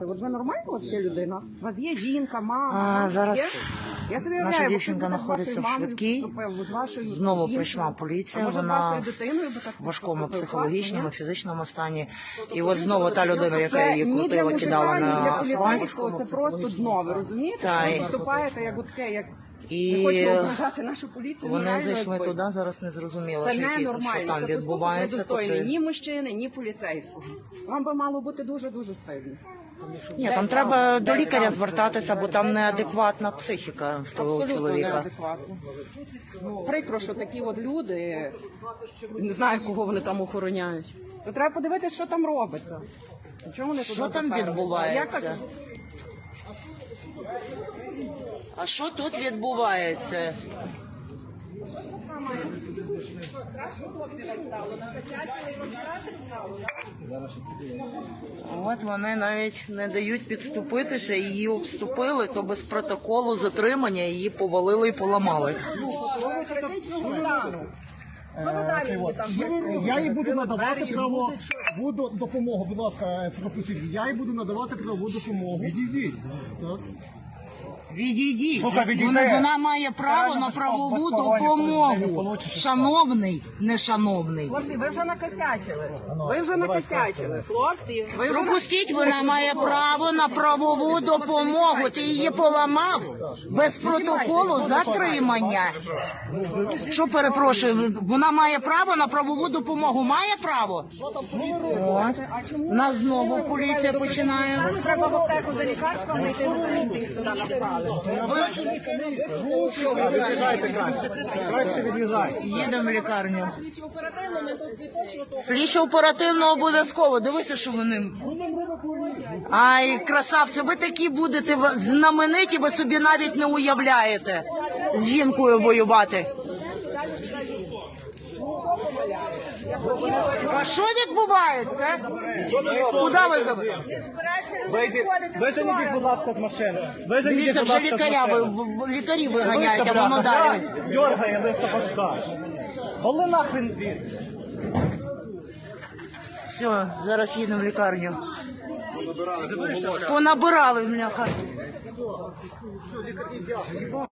От ви нормальна взагалі людина? У вас є жінка, мама? Зараз Я собі наша уявляю, дівчинка ви знаходиться в вашою швидкій. мамою, з вашою Знову жінкою. прийшла поліція, А може, з вона вашою дитиною би так в важкому поступили? психологічному, Класно, фізичному стані. І от знову та людина, яка її ні для крутила, мужика, кидала ні на для асфальт. поліцейського, це просто дно, ви розумієте? Та, Ви і- виступаєте як таке, як І не хочемо ображати нашу поліцію. Вони реально, зайшли якби. туди, зараз не зрозуміло, Це що ненормально, там це поступок відбувається. недостойний Тобто- ні мужчини, ні поліцейського. Вам би мало бути дуже-дуже стидно. Ні, там треба до лікаря звертатися, бо там неадекватна психіка в того Абсолютно чоловіка. неадекватно. Прикро, що такі от люди, не знаю, кого вони там охороняють. То треба подивитися, що там робиться. Чому вони Що туди там заперли? відбувається? Як так? А що тут відбувається? От вони навіть не дають підступитися, її обступили, то без протоколу затримання її повалили і поламали. Я їй буду надавати правову допомогу. Будь ласка, пропустіть. Я їй буду надавати правову допомогу. Відійдіть. Так. Відійдіть. Слухай, відійди. Вона має право на правову допомогу. Шановний, нешановний. Хлопці, ви вже накосячили. Ви вже накосячили. Хлопці, ви вже Пропустіть, вона має право на правову допомогу. Ти її поламав без протоколу затримання. Що перепрошую, вона має право на правову допомогу. Має право? От. У нас знову поліція починає. треба в аптеку за лікарством йти до поліції сюди напали. Краще від'їжджай. Їдемо в лікарню. Слідчо оперативно обов'язково. Дивися, що вони. Ай, красавці, ви такі будете знамениті, ви собі навіть не уявляєте з жінкою воювати. А що відбувається? Куди ви забрали? Виженіть, будь ласка, з машини. Дивіться, вже лікарі виганяють, а воно далі. Дьоргає лиса башка. Вали нахрен звідси. Все, зараз їдемо в лікарню. Понабирали, бляха.